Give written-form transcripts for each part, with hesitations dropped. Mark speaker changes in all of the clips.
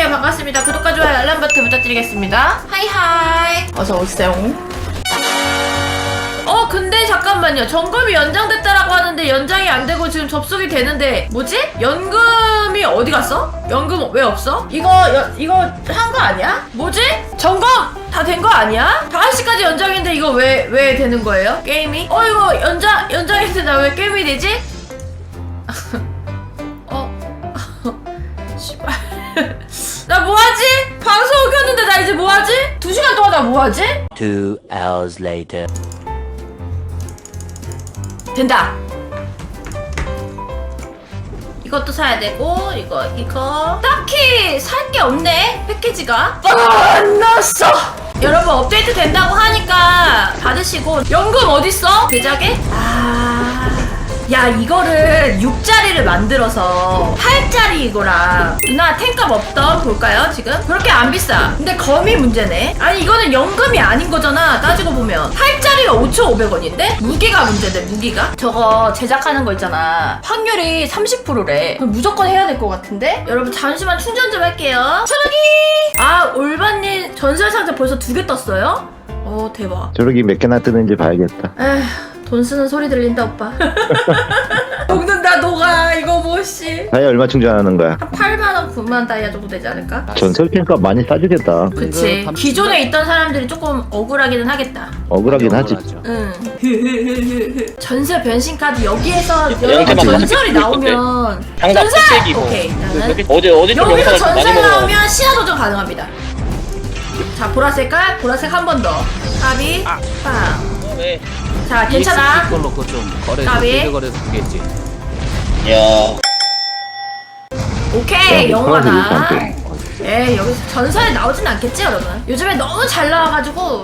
Speaker 1: 네, 반갑습니다. 구독과 좋아요 알람 버튼 부탁드리겠습니다. 하이하이. 어서 오세요. 근데 잠깐만요. 점검이 연장됐다라고 하는데 연장이 안 되고 지금 접속이 되는데 뭐지? 연금이 어디 갔어? 연금 왜 없어? 이거 한 거 아니야? 뭐지? 점검 다 된 거 아니야? 5시까지 연장인데 이거 왜 되는 거예요? 게임이? 이거 연장인데 나 왜 게임이 되지? 씨발. 나 뭐하지? 방송 켰는데 나 이제 뭐하지? 2시간 동안 나 뭐하지?
Speaker 2: 2 hours later.
Speaker 1: 된다. 이것도 사야 되고 이거 딱히 살 게 없네. 패키지가 안 나왔어. 여러분 업데이트 된다고 하니까 받으시고. 연금 어딨어? 제작에? 야, 이거를 6짜리를 만들어서 8짜리 이거랑 누나 탱값 없던 볼까요 지금? 그렇게 안 비싸. 근데 검이 문제네. 아니 이거는 연금이 아닌 거잖아 따지고 보면. 8짜리가 5,500원인데? 무기가 문제네. 무기가 저거 제작하는 거 있잖아, 확률이 30%래 그럼 무조건 해야 될 것 같은데? 여러분 잠시만 충전 좀 할게요. 초록이! 올바님 전설 상자 벌써 2개 떴어요? 대박.
Speaker 3: 저러기 몇 개나 뜨는지 봐야겠다.
Speaker 1: 에휴, 돈 쓰는 소리 들린다 오빠. 녹는다 녹아 이거 뭐씨.
Speaker 3: 다이아 얼마 충전하는 거야?
Speaker 1: 한 8만원 9만 다이아 정도 되지 않을까?
Speaker 3: 전설 캔값 많이 싸주겠다.
Speaker 1: 그치. 기존에 있던 사람들이 조금 억울하기는 하겠다.
Speaker 3: 억울하긴 하지.
Speaker 1: 응. 전설 변신 카드 여기에서
Speaker 4: 영재만
Speaker 1: 전설이
Speaker 4: 가지고
Speaker 1: 나오면
Speaker 4: 장갑
Speaker 1: 전설!
Speaker 4: 흑색이고.
Speaker 1: 오케이 나는
Speaker 4: 어디 좀
Speaker 1: 여기서
Speaker 4: 영상을 좀 많이
Speaker 1: 전설
Speaker 4: 먹어.
Speaker 1: 나오면 시야 도전 가능합니다. 자 보라색 깔 보라색 한 번 더. 까비 빵.
Speaker 4: 네.
Speaker 1: 자 괜찮아.
Speaker 5: 이걸로 그거 좀 거래서
Speaker 1: 까비.
Speaker 5: 빌드거래서 주겠지.
Speaker 4: 야.
Speaker 1: 오케이
Speaker 3: 야,
Speaker 1: 영화다.
Speaker 3: 파란색이
Speaker 1: 에이 여기서 전설이 나오진 않겠지 여러분. 요즘에 너무 잘 나와가지고.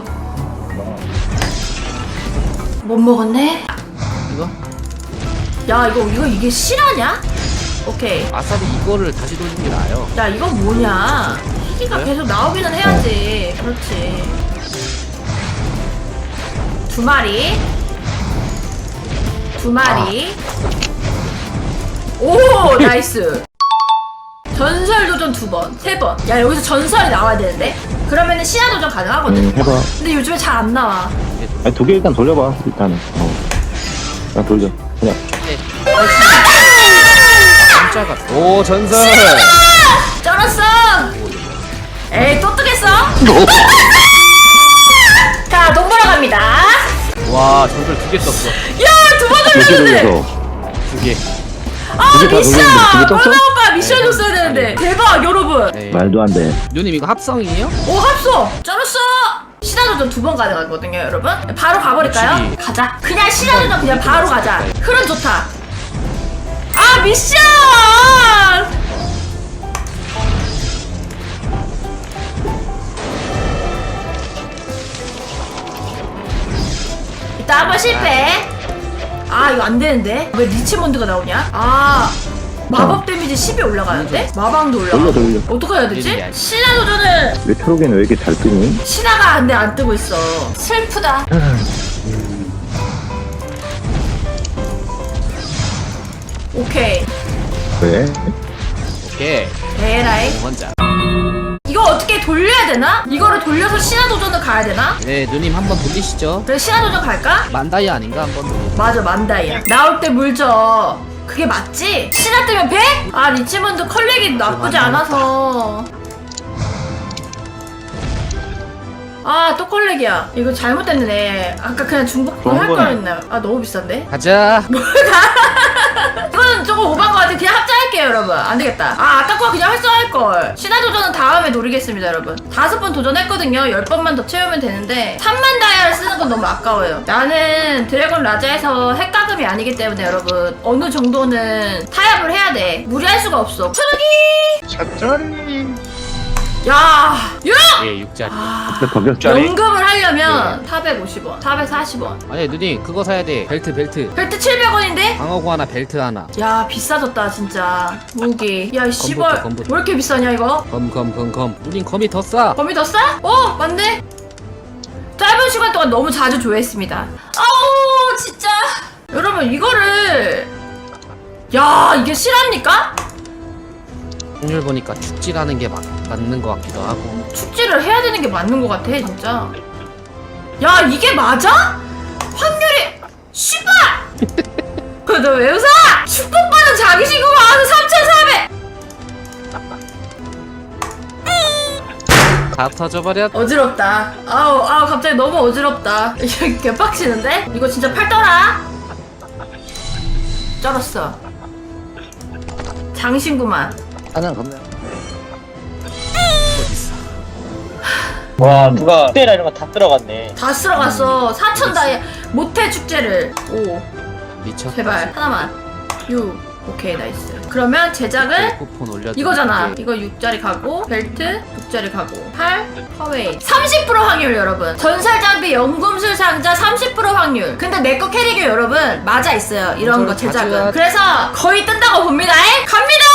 Speaker 1: 못 먹었네.
Speaker 5: 이거?
Speaker 1: 야 이게 실화냐? 오케이.
Speaker 5: 아싸리 이거를 다시 돌리는 게 나아요.
Speaker 1: 야 이건 뭐냐? 희귀가
Speaker 5: 그래?
Speaker 1: 계속 나오기는 해야지. 그렇지. 2마리. 2마리. 오 나이스. 전설 도전 2번, 3번. 야 여기서 전설이 나와야 되는데? 그러면은 시야 도전 가능하거든.
Speaker 3: 해봐.
Speaker 1: 근데 요즘에 잘 안 나와.
Speaker 3: 아니 2개 일단 돌려봐. 일단은. 그냥 돌려. 그냥.
Speaker 5: 깜짝아. 오 전설.
Speaker 1: 쩔었어. 에이 또 뜨겠어? 자 돈 벌어 갑니다.
Speaker 5: 와 전설 2개 떴어.
Speaker 1: 야 2번
Speaker 3: 몇개
Speaker 1: 돌렸는데.
Speaker 3: 돌려서.
Speaker 5: 2개.
Speaker 3: 두개다
Speaker 1: 미션!
Speaker 3: 돌렸는데 두개 떴어?
Speaker 1: 번호 오빠 미션 줬어야 되는데. 대박 여러분.
Speaker 5: 네.
Speaker 3: 말도 안 돼.
Speaker 5: 누님 이거 합성이에요?
Speaker 1: 오 합소! 쩔었어! 시나도전 2번 가능하거든요 여러분. 바로 가버릴까요?
Speaker 5: 그치.
Speaker 1: 가자. 그냥 시나도전 그냥 바로 가자. 흐름 좋다. 미션! 이따 한번 실패. 이거 안 되는데. 왜 리치몬드가 나오냐? 마법 데미지 10이 올라가는데? 마방도 올라가.
Speaker 3: 돌려.
Speaker 1: 어떻게 해야 되지?
Speaker 5: 일이야.
Speaker 1: 신화 도전은
Speaker 3: 왜 초록이는 왜 이렇게 잘 뜨니?
Speaker 1: 신화가 근데 안 뜨고 있어. 슬프다. 오케이.
Speaker 3: 왜?
Speaker 5: 오케이.
Speaker 1: 에라이.
Speaker 5: 먼저.
Speaker 1: 이거 어떻게 돌려야 되나? 이거를 돌려서 신화 도전을 가야 되나?
Speaker 5: 네 누님 한번 돌리시죠.
Speaker 1: 그래 신화 도전 갈까?
Speaker 5: 만다이 아닌가 한번 돌리.
Speaker 1: 맞아 만다이야. 나올 때 물 줘. 그게 맞지? 신화 뜨면 100? 리치몬드 컬렉이 나쁘지 않아서. 또 컬렉이야. 이거 잘못됐네. 아까 그냥 중복
Speaker 3: 좋은
Speaker 1: 할
Speaker 3: 거네.
Speaker 1: 거였나? 너무 비싼데?
Speaker 5: 가자.
Speaker 1: 이거는 조금 오반 것 같아. 그냥 합자할게요 여러분. 안 되겠다. 아까 거 그냥 활성화할걸. 신화 도전은 다음에 노리겠습니다 여러분. 5번 도전했거든요. 10번만 더 채우면 되는데 3만 다이아를 쓰는 건 너무 아까워요. 나는 드래곤 라자에서 핵가금이 아니기 때문에 여러분 어느 정도는 타협을 해야 돼. 무리할 수가 없어. 초록이! 야! 6!
Speaker 5: 예 6짜리.
Speaker 3: 덕격.
Speaker 1: 연금을 하려면 450원, 440원.
Speaker 5: 아니 누님 그거 사야 돼. 벨트.
Speaker 1: 벨트 700원인데?
Speaker 5: 방어구 하나 벨트 하나.
Speaker 1: 야 비싸졌다 진짜. 무기. 야 씨발
Speaker 5: 검부터.
Speaker 1: 왜 이렇게 비싸냐 이거?
Speaker 5: 검. 누님 검이 더 싸.
Speaker 1: 범위 더 싸? 맞네. 짧은 시간 동안 너무 자주 조회했습니다. 아우 진짜. 여러분 이거를. 야 이게 실합니까?
Speaker 5: 확률 보니까 축지라는 게 맞는 것 같기도 하고.
Speaker 1: 축지를 해야 되는 게 맞는 것 같아 진짜. 야 이게 맞아? 확률이 씨발! 너 왜 웃어? 축복받은 자기 신고가 와서 3,400.
Speaker 5: 다 터져버렸.
Speaker 1: 어지럽다. 아우 갑자기 너무 어지럽다. 이거 개빡치는데? 이거 진짜 팔더라. 쩔었어. 장신구만.
Speaker 3: 사냥 겁나.
Speaker 4: 와 누가 축제라 이런 거 다 들어갔네.
Speaker 1: 다 쓸어갔어. 4,000 다이 못해 축제를. 5
Speaker 5: 미쳤다.
Speaker 1: 제발 하나만. 6 오케이 나이스. 그러면 제작을
Speaker 5: 쿠폰 올려.
Speaker 1: 이거잖아. 이거 6짜리 가고 벨트 6짜리 가고 8 퍼웨이 30% 확률 여러분. 전설 장비 연금술 상자 30% 확률. 근데 내 거 캐릭이 여러분 맞아 있어요. 이런 거 제작은.
Speaker 5: 가져야-
Speaker 1: 그래서 거의 뜬다고 봅니다. 갑니다.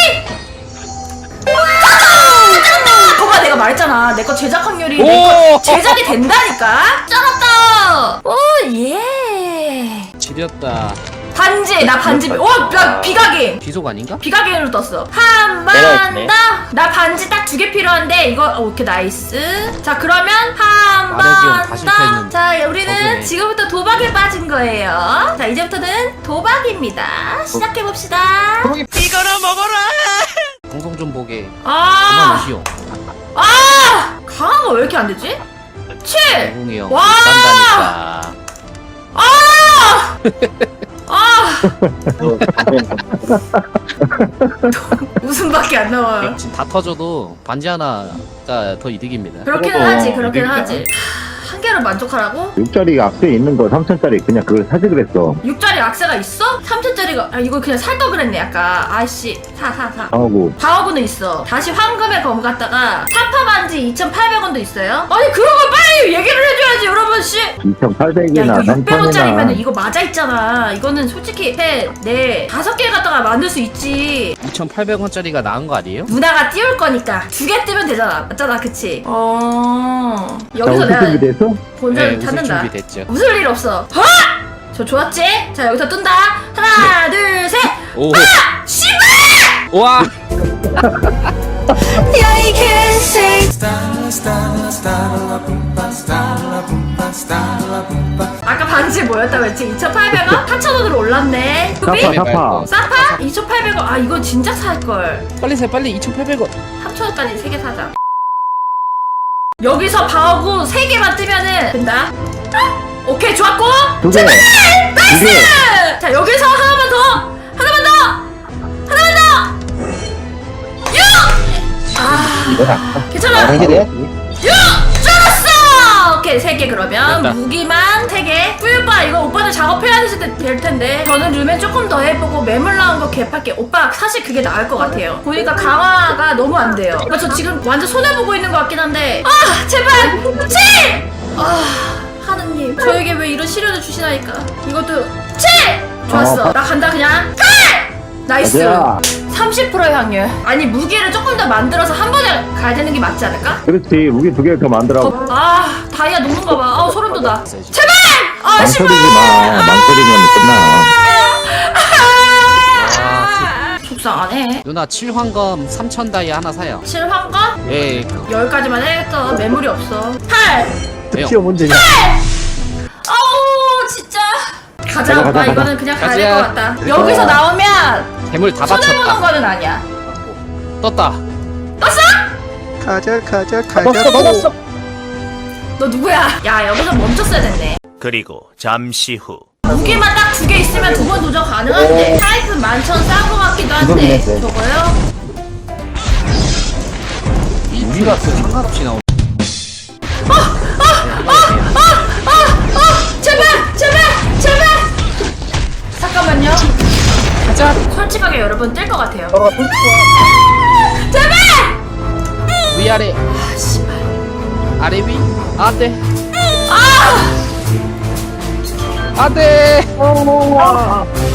Speaker 1: 거봐 내가 말했잖아. 내 거 제작 확률이 내 거
Speaker 5: 오!
Speaker 1: 제작이 된다니까. 쩔었다. 오 예.
Speaker 5: 지렸다.
Speaker 1: 반지 나 반지. 나 비각인.
Speaker 5: 귀속 아닌가?
Speaker 1: 비가갱으로 떴어. 한 번
Speaker 4: 내가 있네.
Speaker 1: 더. 나 반지 딱 2개 필요한데 이거 오케이 나이스. 자 그러면 한
Speaker 5: 아래 지원 다
Speaker 1: 번 더.
Speaker 5: 실패했는데.
Speaker 1: 자 우리는
Speaker 5: 저거네.
Speaker 1: 지금부터 도박에 빠진 거예요. 자 이제부터는 도박입니다. 시작해 봅시다.
Speaker 5: 방송 좀 보게. 그만
Speaker 1: 아,
Speaker 5: 오시오.
Speaker 1: 강한 거 왜 이렇게 안 되지? 7.
Speaker 5: 공이 형.
Speaker 1: 와!
Speaker 5: 딴다니까.
Speaker 1: 웃음밖에 안 나와요.
Speaker 5: 지금 다 터져도 반지 하나가 더 이득입니다.
Speaker 1: 그렇게는
Speaker 3: 그래도
Speaker 1: 하지, 그렇게는
Speaker 3: 그러니까.
Speaker 1: 하지. 한 개로 만족하라고?
Speaker 3: 6짜리 앞에 있는 거 3,000짜리 그냥 그걸 사지 그랬어.
Speaker 1: 6짜리 악세가 있어? 3,000짜리가 이거 그냥 살 걸 그랬네 약간. 아이씨 사.
Speaker 3: 하고
Speaker 1: 방어구는 있어. 다시 황금의 검 갖다가 사파 반지 2,800원도 있어요. 아니 그런 거 빨리 얘기를 해줘야지 여러분 씨. 야
Speaker 3: 2,800이나
Speaker 1: 이거 600원짜리면
Speaker 3: 3,000이나
Speaker 1: 이거 맞아 있잖아. 이거는 솔직히 네 5개 갖다가 만들 수 있지.
Speaker 5: 2,800원짜리가 나은 거 아니에요?
Speaker 1: 누나가 띄울 거니까 2개 뜨면 되잖아. 맞잖아 그치? 여기서
Speaker 3: 우승
Speaker 1: 내가
Speaker 3: 준비됐어?
Speaker 1: 본전
Speaker 5: 우승
Speaker 1: 찾는다.
Speaker 5: 준비됐죠.
Speaker 1: 웃을 일 없어. 저 좋았지? 자 여기서 뜬다. 하나 둘 셋.
Speaker 5: 오.
Speaker 1: 씨발!
Speaker 5: 와.
Speaker 1: 야이 개새. 아까 반지 뭐였다고 했지? 2,800원? 4,000원으로 올랐네.
Speaker 3: 사파
Speaker 1: 후비?
Speaker 3: 사파.
Speaker 1: 사파? 2,800원. 아 이거 진짜 살걸.
Speaker 5: 빨리 사 빨리 2,800원.
Speaker 1: 3,000원까지 3개 사자. 여기서 방어구 3개만 뜨면은 된다. 오케이 좋았고.
Speaker 3: 2개.
Speaker 1: 제발!
Speaker 3: 2개.
Speaker 1: 나이스! 자 여기서 하나만 더. 하나만 더. 6! 괜찮아.
Speaker 3: 이게 돼야지.
Speaker 1: 6! 쩔었어! 오케이 3개 그러면
Speaker 5: 됐다.
Speaker 1: 무기만 3개. 뿌유빠 이거 오빠들 작업해야 될 텐데 저는 르멘 조금 더 해보고 매물 나온 거 개팔게. 오빠 사실 그게 나을 것 같아요. 보니까 강화가 너무 안 돼요. 그러니까 저 지금 완전 손해보고 있는 것 같긴 한데 제발 7! 하느님 저에게 왜 이런 시련을 주시나이까. 이것도 7! 좋았어. 나 간다 그냥 8! 나이스.
Speaker 3: 가자.
Speaker 1: 30%의 확률. 아니 무기를 조금 더 만들어서 한 번에 가야 되는 게 맞지 않을까?
Speaker 3: 그렇지. 무기 2개 더 만들어.
Speaker 1: 다이아 녹는 거 봐. 소름 돋아. 제발! 씨발!
Speaker 3: 망설이지 마. 망설이면 끝나.
Speaker 1: 속상하네.
Speaker 5: 누나 7황금 3,000 다이 하나 사요.
Speaker 1: 7황가?
Speaker 5: 예. 그,
Speaker 1: 10가지만 해야겠다. 매물이 없어. 8!
Speaker 5: 왜요?
Speaker 3: 시험 문제냐?
Speaker 1: 아우 진짜. 가자.
Speaker 3: 가자, 가자,
Speaker 1: 이거는 그냥 가야 될 것
Speaker 5: 가자.
Speaker 1: 같다. 여기서 나오면
Speaker 5: 괴물 다
Speaker 1: 손해보는
Speaker 5: 받쳤다.
Speaker 1: 거는 아니야.
Speaker 5: 떴다.
Speaker 1: 떴어?
Speaker 6: 가자
Speaker 3: 받았어.
Speaker 1: 너 누구야? 야 여기서 멈췄어야 됐네.
Speaker 7: 그리고 잠시 후
Speaker 1: 무기만 딱 2개 있으면 2번 도전 가능한데 타이프 11,000 싼 거 같기도 한데
Speaker 3: 이거는
Speaker 1: 저거요?
Speaker 5: 무기가 그 상관없이 나오네.
Speaker 1: 제발! 잠깐만요.
Speaker 5: 가자.
Speaker 1: 솔직하게 여러분 뜰 것 같아요.
Speaker 5: 위아래. 아래 위. 안돼. 안돼.